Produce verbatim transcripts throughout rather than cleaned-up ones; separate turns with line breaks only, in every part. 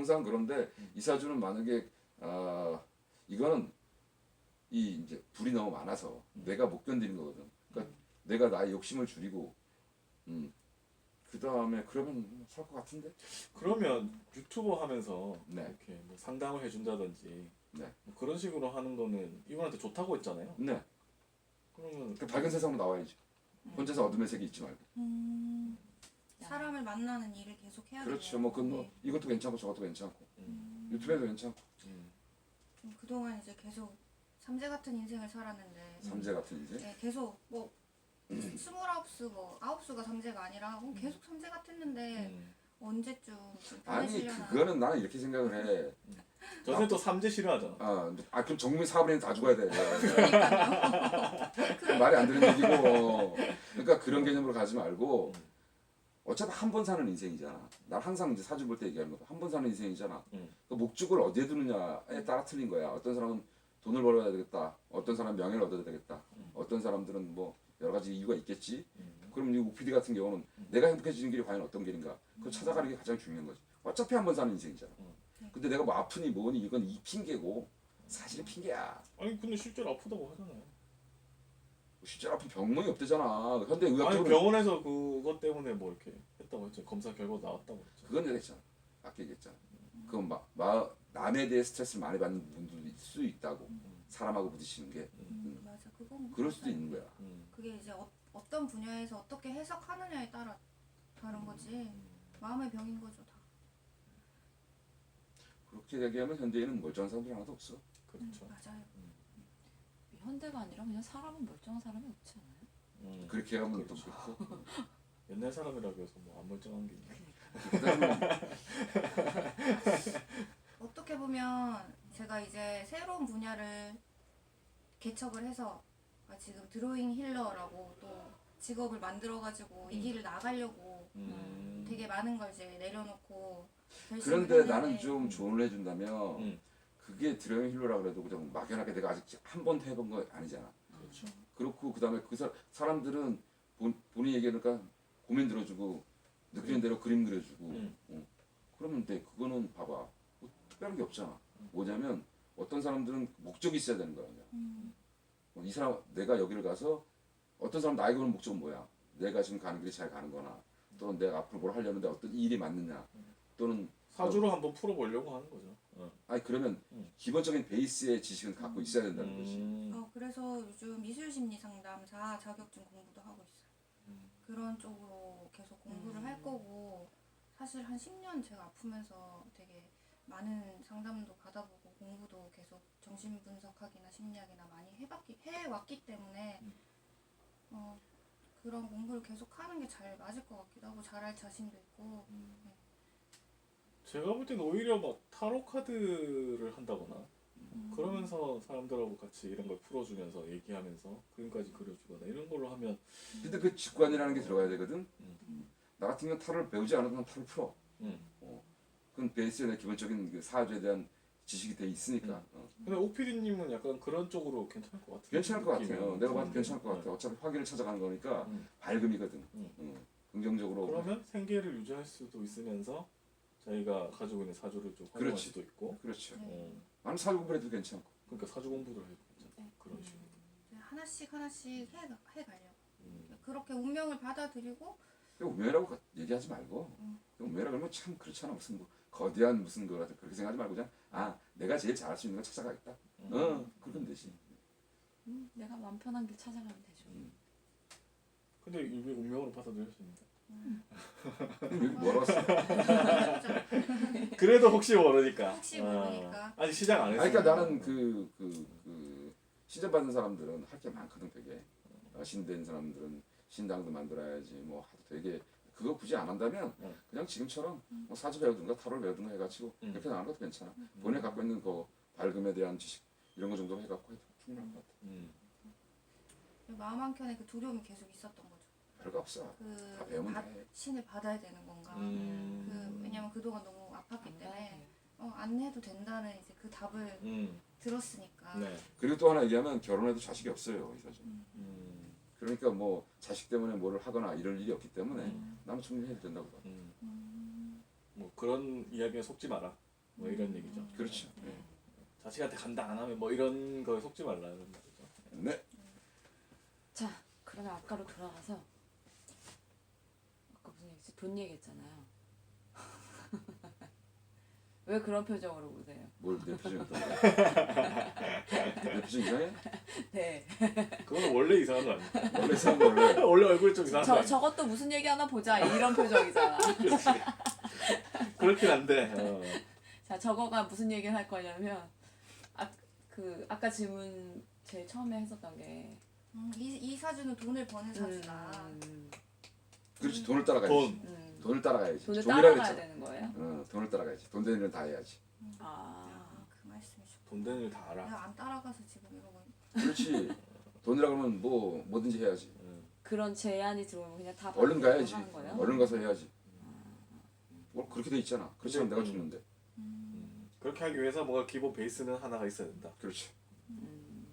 항상 그런데
음.
이 사주는 만약에 아 이거는 이 이제 불이 너무 많아서
음.
내가 못 견디는 거거든. 그러니까 내가 나의 욕심을 줄이고 음. 그 다음에 그러면 살 것 같은데?
그러면 유튜버 하면서
네.
이렇게 뭐 상담을 해준다든지
네.
뭐 그런 식으로 하는 거는 이분한테 좋다고 했잖아요.
네.
그러면
그 밝은 세상으로 나와야지. 혼자서 어둠의 세계 있지 말고.
음, 사람을 만나는 일을 계속 해야 돼요.
그렇죠. 뭐, 그 뭐
네.
이것도 괜찮고 저것도 괜찮고
음.
유튜브에도 괜찮고
음.
좀 그동안 이제 계속 삼재 같은 인생을 살았는데
삼재 같은 인생.
네, 계속 뭐 스물아홉 수 뭐 아홉 수가 삼재가 아니라 뭐 계속 삼재 같았는데
음.
언제쯤 좀
아니
편해지려나.
그거는 나는 이렇게 생각을 해.
저는 또 삼재 싫어하잖아.
아, 아 그럼 정민 사업인다 죽어야 돼. 그 말이 안 되는 얘기고. 그러니까 그런 개념으로 가지 말고 어차피 한 번 사는 인생이잖아. 난 항상 이제 사주 볼 때 얘기하는 거. 한 번 사는 인생이잖아.
음.
그 목적을 어디에 두느냐에 따라 틀린 거야. 어떤 사람은 돈을 벌어야 되겠다. 어떤 사람은 명예를 얻어야 되겠다. 어떤 사람들은 뭐 여러 가지 이유가 있겠지.
음.
그럼 이 오피디 같은 경우는 내가 행복해지는 길이 과연 어떤 길인가? 그걸 찾아가는 게 가장 중요한 거지. 어차피 한 번 사는 인생이잖아. 근데 내가 뭐 아프니 뭐니 이건 이 핑계고 사실은 핑계야.
아니 근데 실제로 아프다고 하잖아요.
실제로 아픈 병명이 없대잖아. 현대
아니
의학적으로
병원에서 그것 때문에 뭐 이렇게 했다고 했죠. 검사 결과 나왔다고 했죠.
그건 내가 했잖아. 아까 얘기했잖아. 그건 막, 막 남에 대해 스트레스를 많이 받는 분들도 있을 수 있다고. 사람하고 부딪히는 게
음, 맞아. 그건
그럴 수도
맞아요.
있는 거야.
음.
그게 이제 어, 어떤 분야에서 어떻게 해석하느냐에 따라 다른 거지. 마음의 병인 거죠 다.
그렇게 얘기하면 현대인은 멀쩡한 사람들 하나도 없어.
그렇죠.
음, 맞아요.
현대가 아니라 그냥 사람은 멀쩡한 사람이 없지 않아요?
음.
그렇게 하면 또
그렇죠.
그렇고.
옛날 사람이라고 해서 뭐 안 멀쩡한 게 있나?
어떻게 보면 제가 이제 새로운 분야를 개척을 해서 아, 지금 드로잉 힐러라고 또 직업을 만들어가지고 이
음.
길을 나가려고
음.
되게 많은 걸 이제 내려놓고 결심을
그런데
했는데
나는 좀 조언을 해준다면
음.
그게 드로잉 힐러라 그래도 그냥 막연하게 내가 아직 한 번도 해본 거 아니잖아.
그렇죠.
그렇고 그다음에 그 사, 사람들은 본, 본인이 얘기하니까 고민 들어주고 느끼는 대로 그림 그려주고
음.
어. 그러면 돼. 그거는 봐봐. 뭐 특별한 게 없잖아. 뭐냐면 어떤 사람들은 목적이 있어야 되는 거야. 그냥.
음,
어, 이 사람 내가 여기를 가서 어떤 사람 나에게 오는 목적은 뭐야? 내가 지금 가는 길이 잘 가는 거나 또는 내가 앞으로 뭘 하려는데 어떤 일이 맞느냐 또는
사주로 한번 풀어보려고 하는 거죠. 어.
아니 그러면
음.
기본적인 베이스의 지식은 갖고 있어야 된다는 거지.
음.
어, 그래서 요즘 미술심리 상담사 자격증 공부도 하고 있어요.
음.
그런 쪽으로 계속 공부를
음.
할 거고 사실 한 십 년 제가 아프면서 되게 많은 상담도 받아보고 공부도 계속 정신분석학이나 심리학이나 많이 해봤기, 해왔기 때문에
음.
어, 그런 공부를 계속 하는 게 잘 맞을 것 같기도 하고 잘할 자신도 있고 네.
제가 볼 때는 오히려 막 타로 카드를 한다거나
음.
그러면서 사람들하고 같이 이런 걸 풀어주면서 얘기하면서 그림까지 그려주거나 이런 걸로 하면
근데 그 직관이라는 게 들어가야 되거든.
음.
나 같은 경우는 타로를 배우지 않아도 난 타로를 풀어.
음.
그건 베이스에 대한 기본적인 그 사주에 대한 지식이 돼 있으니까.
음.
어.
근데 오피디님은 약간 그런 쪽으로 괜찮을 것 같아요.
괜찮을 것
느낌이.
같아요. 내가 봐도
음.
괜찮을 것
네.
같아. 어차피 화기를 찾아가는 거니까
음.
밝음이거든.
음.
어. 긍정적으로.
그러면 생계를 유지할 수도 있으면서 자기가 가지고 있는 사주를 좀 활용할
그렇지.
수도 있고
그렇죠.
네.
어.
나는 사주 공부를 해도 괜찮고.
그러니까 사주 공부를 해도 괜찮고
네.
그런 식으로
이제 하나씩 하나씩 해, 해가려고
음.
그렇게 운명을 받아들이고
운명이라고 가- 얘기하지 말고
음.
운명이라고 하면 참 그렇잖아. 무슨 뭐 거대한 무슨 거 같은 그렇게 생각하지 말고 그냥 아 내가 제일 잘할 수 있는 걸 찾아가겠다.
음.
어 그러면 되지.
음, 내가 마음 편한 길 찾아가면 되죠.
음.
근데 이게 운명으로 받아들였습니다.
여기 뭐라 왔어?
그래도 혹시 모르니까
혹시
어.
모르니까.
아직 시작 안
아니,
했어요.
그러니까 나는 그, 그, 그 시접 받는 사람들은 할 게 많거든 되게. 어, 신된 사람들은 신당도 만들어야지 뭐 하도 되게 그거 굳이 안 한다면
응.
그냥 지금처럼 뭐 사주 배우든가 타로를 배우든가 해가지고
응.
이렇게 나가는 것도 괜찮아. 본인이 갖고 있는 그 밝음에 대한 지식 이런 거 정도 해갖고 해도 충분할 것 같아.
음.
마음 한켠에 그 두려움이 계속 있었던 거죠.
별거 없어. 다
그
배우면
받-
돼.
신을 받아야 되는 건가.
음.
그 왜냐면 그동안 너무 아팠기
안
때문에
가야 돼.
어, 안 해도 된다는 이제 그 답을
음.
들었으니까.
네.
그리고 또 하나 얘기하면 결혼해도 자식이 없어요 이 사주.
음.
그러니까 뭐 자식 때문에 뭐를 하거나 이럴 일이 없기 때문에
음.
나는 충분히 해도 된다고 봐.
음.
음,
뭐 그런 이야기에 속지 마라. 뭐 이런 얘기죠.
그렇죠. 네.
자식한테 간다 안 하면 뭐 이런 거에 속지 말라는 말이죠.
네.
자, 그러면 아까로 돌아가서 아까 무슨 얘기지? 돈 얘기했잖아요. 왜 그런 표정으로 보세요?
뭘 내 표정이 어떤데? 내 표정 이상해?
네.
그건 원래 이상한 거 아니야?
원래 사람 원래
원래 얼굴이 좀 이상한 거
저
아니야?
저것도 무슨 얘기 하나 보자 이런 표정이잖아.
그렇긴 한데. 어.
자, 저거가 무슨 얘기를 할 거냐면 아 그 아까 질문 제일 처음에 했었던 게
음, 이, 이 사주는 돈을 버는 사주다.
음,
그렇지 돈을 따라가야지.
돈.
음,
돈을 따라가야지.
돈을
종이라
따라가야
그랬잖아.
되는 거예요?
어, 돈을 따라가야지. 돈 되는 일은 다 해야지.
아,
야, 그 말씀이셨.
돈 되는 일 다 알아.
내가 안 따라가서 지금 이러고 있-
그렇지. 돈이라 그러면 뭐 뭐든지 해야지.
응.
그런 제안이 들어오면 그냥 다
얼른
받고
가야지.
하는 거예요?
얼른 가서 해야지. 뭐 그렇게 돼 있잖아. 그렇지 않으면 내가
음.
죽는데.
음,
음. 그렇게 하기 위해서 뭔가 기본 베이스는 하나가 있어야 된다.
그렇지.
음,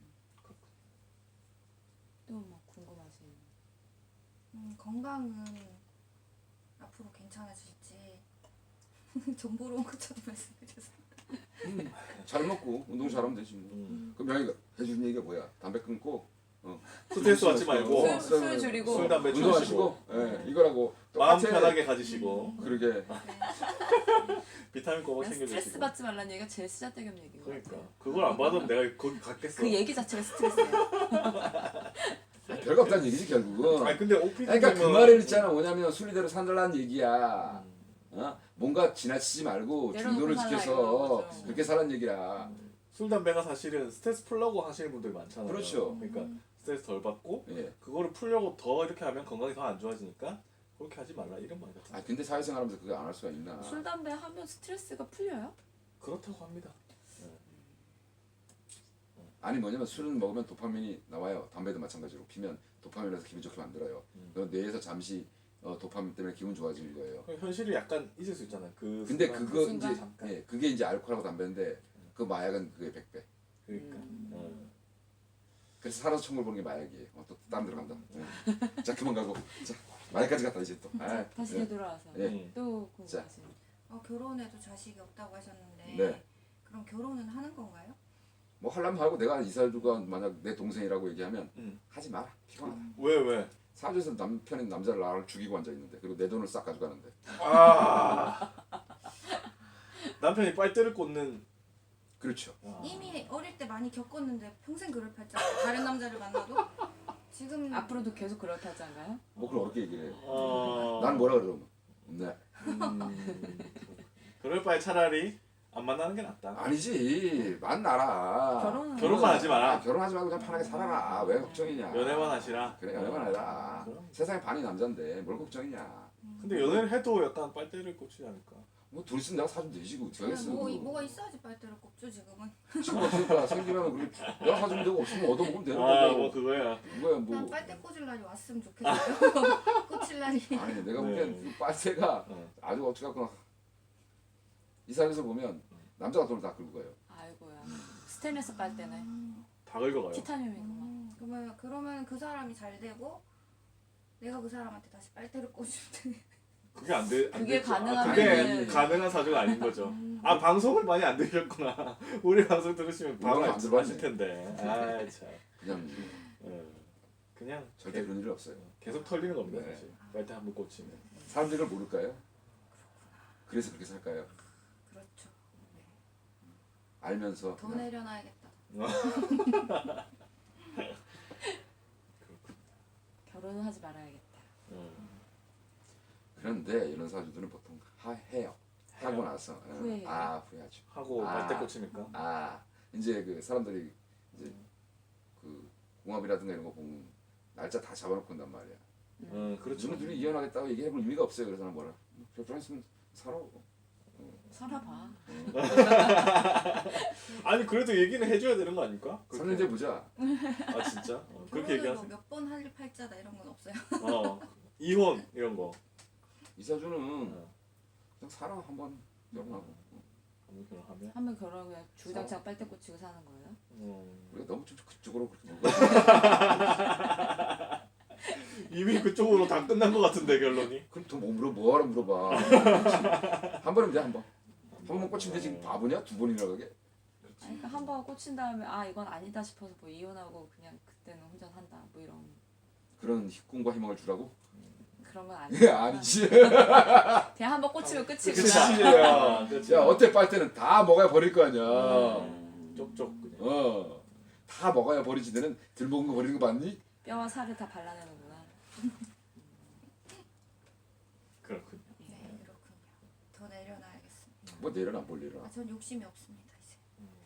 또뭐 궁금하신
음, 건강은 앞으로 괜찮아질지 전 보러 온 것처럼 말씀드려서.
음, 잘 먹고 운동 잘하면 되지 뭐.
음.
그럼 명희가 해주는 얘기가 뭐야? 담배 끊고 어,
스트레스 받지 말고
술,
술, 술 줄이고
술, 담배
운동하시고 예, 이거라고
마음
똑같아.
편하게 가지시고
그러게
네.
비타민 꼬박
그냥 스트레스
챙겨주시고.
받지 말라는 얘기가 제일 쓰잘데기 얘기인 것
그러니까
같아요.
그걸 안 받으면 내가 거기 갔겠어.
그 얘기 자체가 스트레스예요.
별거 없다는 얘기지 결국은.
아니 근데 오피디
그러니까 그
되면-
말에는 있잖아. 뭐냐면 순리대로 산다라는 얘기야.
음.
어? 뭔가 지나치지 말고
내려놓고
중도를
살라
지켜서
이거죠.
그렇게 살라는 얘기야.
술 담배가 사실은 스트레스 풀려고 하시는 분들이 많잖아요.
그렇죠.
그러니까 스트레스 덜 받고
예.
그거를 풀려고 더 이렇게 하면 건강이 더 안 좋아지니까 그렇게 하지 말라 이런 말 같아요.
아 근데 사회생활하면서 그거 안 할 수가 있나?
술, 담배 하면 스트레스가 풀려요?
그렇다고 합니다.
아니 뭐냐면 술은 먹으면 도파민이 나와요. 담배도 마찬가지로 피면 도파민이라서 기분 좋게 만들어요.
음.
그럼 뇌에서 잠시 어, 도파민 때문에 기분 좋아지는 거예요.
현실이 약간 잊을 수 있잖아요. 그
근데
순간,
그거
순간
이제
잠깐.
예, 그게 이제 알코올하고 담배인데 그 마약은 그게 백 배.
그러니까
음.
어.
그래서 살아서 천국을 보는 게 마약이에요. 어, 또 땀 들어간다. 예. 자 그만 가고 자 마약까지 갔다 이제 또. 아,
자, 다시
예.
되돌아와서
예.
음.
또 궁금하신
어, 결혼해도 자식이 없다고 하셨는데
네.
그럼 결혼은 하는 건가요?
뭐 하려면 하고 내가 이사주가 만약 내 동생이라고 얘기하면
음.
하지 마라. 피곤하다.
왜 왜?
사주에서 남편인 남자를 나를 죽이고 앉아 있는데 그리고 내 돈을 싹 가져가는데.
아 남편이 빨대를 꽂는.
그렇죠.
아.
이미 어릴 때 많이 겪었는데 평생 그럴 팔자 다른 남자를 만나도 지금
앞으로도 계속 그럴 타자인가요?
뭐 그걸 어렵게 얘기를 해.
어.
난 뭐라 그러면 네.
음. 그럴 바에 차라리 안 만나는 게 낫다.
아니지 만나라.
결혼은
결혼만 하지 마라.
아, 결혼하지 말고 그냥 편하게 살아라. 왜 걱정이냐.
연애만 하시라.
그래 연애만 해라.
그럼.
세상에 반이 남잔데 뭘 걱정이냐.
근데 연애를 해도 약간 빨대를 꽂히지 않을까?
뭐 둘이 있으면 내가 사주면 되지 그 어떻게 하겠어.
뭐, 뭐가 있어야지 빨대를 꼽죠 지금은.
지금 없으니까 생기면 그래 내가 사주면 되고 없으면 얻어먹으면 되는
아
거고.
뭐 그거야.
이거야
난
뭐.
빨대 꽂을 날이 왔으면 좋겠어요. 꽂힐 날이.
아니 내가
네.
보기엔 그 빨대가
어.
아주 어떻게 갖고 이 사람에서 보면 남자가 돈을 다 끌고 가요.
아이고야. 스테인레스 빨대네.
다 긁어가요.
티타늄이구만.
음, 그러면 그러면 그 사람이 잘 되고 내가 그 사람한테 다시 빨대를 꽂으면 돼.
그게 안 돼. 안
그게
되죠. 아,
가능하면은-
그게 가능한 사주가 아닌 거죠.
음.
아 방송을 많이 안 들으셨구나. 우리 방송 들으시면 바로
우리가 안
아실
들어봤네.
텐데. 아 참.
그냥
어. 그냥
절대
계-
그런 일은 없어요.
계속 털리는 겁니다
네.
사실. 빨대 한 번 꽂히면.
사람들이 그걸 모를까요? 그래서 그렇게 살까요?
그렇죠.
알면서
더
그냥
내려놔야겠다.
결혼은 하지 말아야겠다.
어.
그런데 이런 사주들은 보통 하, 해요. 하고
해요?
나서 어,
후회해요?
아 후회하죠.
하고
아.
빨대 꽂히니까.
아 이제 그 사람들이 이제 그 궁합이라든가 이런 거 보면 날짜 다 잡아놓고 한단 말이야.
음 그렇죠.
너네 둘이 이혼하겠다고 얘기해볼 의미가 없어요. 그래서 난 뭐라 결혼했으면 살아.
살아봐.
아니 그래도 얘기는 해줘야 되는 거 아닙니까?
삼 년 뒤에 보자.
아 진짜? 어, 그렇게
결혼을
얘기하세요?
뭐몇번 할 팔자다 이런 건 없어요.
어 이혼 이런 거.
이사주는
어.
그냥 살아 한번 결혼하고.
한번 결혼하면.
한번 결혼하면 주당창 빨대 꽂히고 사는 거예요?
음.
우리가 너무 좀 그쪽으로 그렇게 물고
이미 그쪽으로 다 끝난 것 같은데 결론이.
그럼 더 뭐 물어 뭐하러 물어봐. 한 번이면 돼 한 번. 한 번 꽂히면 지금 바보냐? 두 번이나 가게?
그렇지.
아니, 그러니까 한 번 꽂힌 다음에 아 이건 아니다 싶어서 뭐 이혼하고 그냥 그때는 혼자 산다 뭐 이런
그런 꿈과 희망을 주라고?
그런 건
예,
아니야.
아니지.
그냥 한 번 꽂히면
그치.
끝이구나.
야,
그치.
야 어때 빨 때는 다 먹어야 버릴 거 아니야.
음,
쪽쪽 그냥.
어. 다 먹어야 버리지. 너는 들 먹은 거 버리는 거 봤니?
뼈와 살을 다 발라내는구나.
그렇군요.
네, 그렇군요. 더 내려놔야겠습니다.
뭐 내려놔 뭘 내려놔.
아, 전 욕심이 없습니다 이제.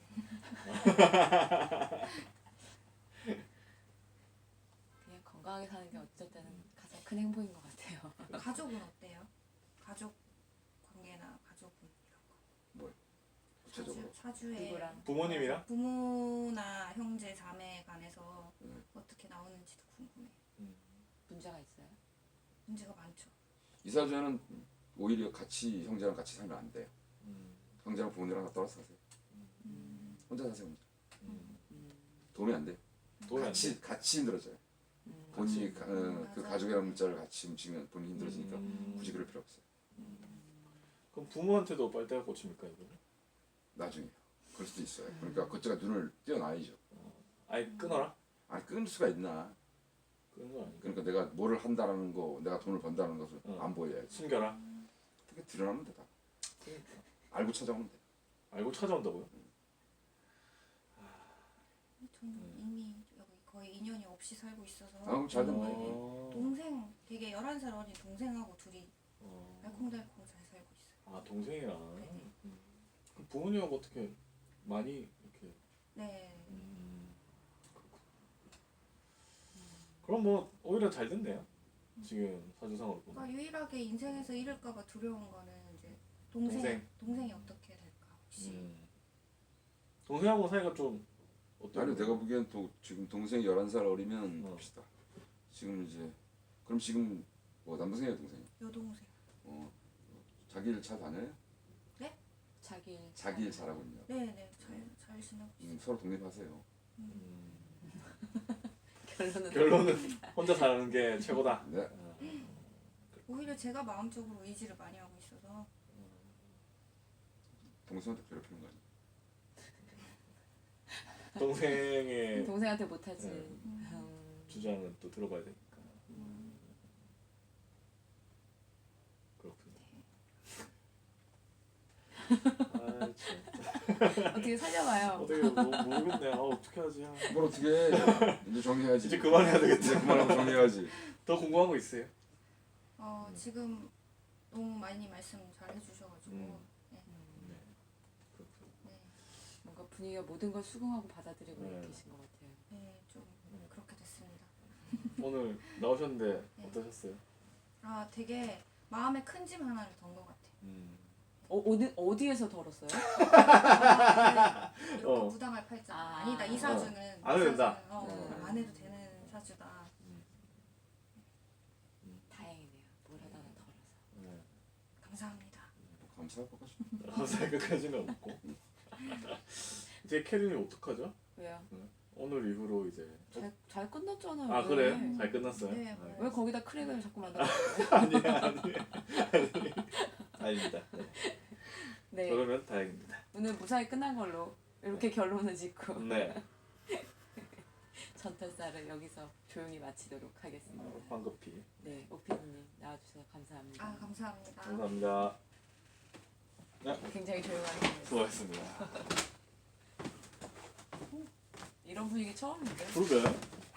그냥 건강하게 사는 게 어쩔 때는 가장 큰 행복인 것 같아요.
가족은 어때요? 가족 관계나 가족분 이런 거.
구체적으로.
사주, 사주에
누구랑?
부모님이랑?
부모나 형제 자매 간에서
음.
어떻게 나오는지도 궁금해요.
음.
문제가 있어요?
문제가 많죠.
이 사주에는 오히려 같이 형제랑 같이 살면 안 돼요.
음.
형제랑 부모님이랑 다 떨어져 사세요.
음.
혼자 사세요. 혼자.
음.
음,
도움이 안 돼.
도움이 안
같이 같이 힘들어져요.
음.
본인이
같이.
가- 어, 그
맞아.
가족이라는 문자를 같이 움직이면 본인이 힘들어지니까
음.
굳이 그럴 필요 없어요.
그럼 부모한테도 빨대가 꽂힙니까 이거는?
나중에 그럴 수도 있어요. 그러니까 그쪽가 눈을 띄어놔야죠.
아예 끊어라?
아니 끊을 수가 있나?
끊는 거 아니고
그러니까 내가 뭐를 한다는 거, 내가 돈을 번다는 것을
어.
안 보여야지.
숨겨라?
그게 드러나면 되다.
그러니까.
알고 찾아오면 돼.
알고 찾아온다고요?
저는 이미 여기 거의 인연이 없이 살고 있어서
아, 그럼 잘 된
거의
어.
동생 되게 열한 살 어린 동생하고 둘이
어.
알콩달콩 잘 살고 있어요.
아 동생이랑.
네네.
음. 그럼 부모님하고 어떻게 많이 이렇게?
네.
음. 그렇군. 그럼 뭐 오히려 잘 됐네요. 지금 사주상으로 보면.
그러니까 유일하게 인생에서 잃을까봐 두려운 거는 이제 동생,
동생.
동생. 이 어떻게 될까 혹시.
음. 동생하고 사이가 좀 어때요?
아니 내가 보기엔 또 지금 동생이 열한 살 어리면
어.
봅시다. 지금 이제 그럼 지금 뭐 남동생이야 동생이?
여동생.
어 자기 일 잘 다녀요?
자기 일
자기 일 잘하고 있냐?
네네 잘 잘 지내고 있어요.
음, 서로 독립하세요.
음.
결론은
결론은 혼자 사는 게 최고다.
네.
어.
오히려 제가 마음적으로 의지를 많이 하고 있어서
동생한테 괴롭히는 거 아니야?
동생의
동생한테 못하지.
네.
음.
주장은 또 들어봐야 되니까. 그렇군요. 아 진짜
어떻게 살려봐요.
어떻게 뭐, 모르겠네. 아 어떻게 하지? 아,
뭘 어떻게 해? 이제 정리해야지.
이제 그만해야 되겠다.
이제 그만하고 정리해야지.
더 궁금한 거 있어요?
어,
음.
지금 너무 많이 말씀 잘 해주셔가지고
음.
네.
네. 그렇군요.
네.
뭔가 분위기가 모든 걸 수긍하고 받아들이고
네.
계신 것 같아요.
네, 좀
네.
그렇게 됐습니다.
오늘 나오셨는데
네.
어떠셨어요?
아, 되게 마음에 큰 짐 하나를 던 것 같아요.
음.
어, 어디 어디에서 덜었어요?
아, 이거
어.
부당할 팔자.
아.
아, 니다 이 사주는
안 해도 된다.
이 사주는, 어,
네.
안 해도 되는 사주다.
다행이네요. 뭘 하다가 덜어서.
네.
감사합니다.
감사할 것 같아.
감사할 것까지는 없고 이제 캐린이 어떡하죠?
왜요?
오늘 이후로 이제
잘, 잘 끝났잖아요.
아
왜?
그래요? 잘 끝났어요?
네,
아,
뭐.
왜 거기다 크랙을 자꾸 만들어요?
아니에요 아니에요 아니, 아닙니다. 네.
네.
그러면 다행입니다.
오늘 무사히 끝난 걸로 이렇게 결론을 짓고
네.
전털살을 여기서 조용히 마치도록 하겠습니다.
어, 황급히
네, 오피디님 나와주셔서 감사합니다.
아, 감사합니다.
감사합니다.
굉장히 조용하게
수고하셨습니다.
이런 분위기 처음인데?
그러게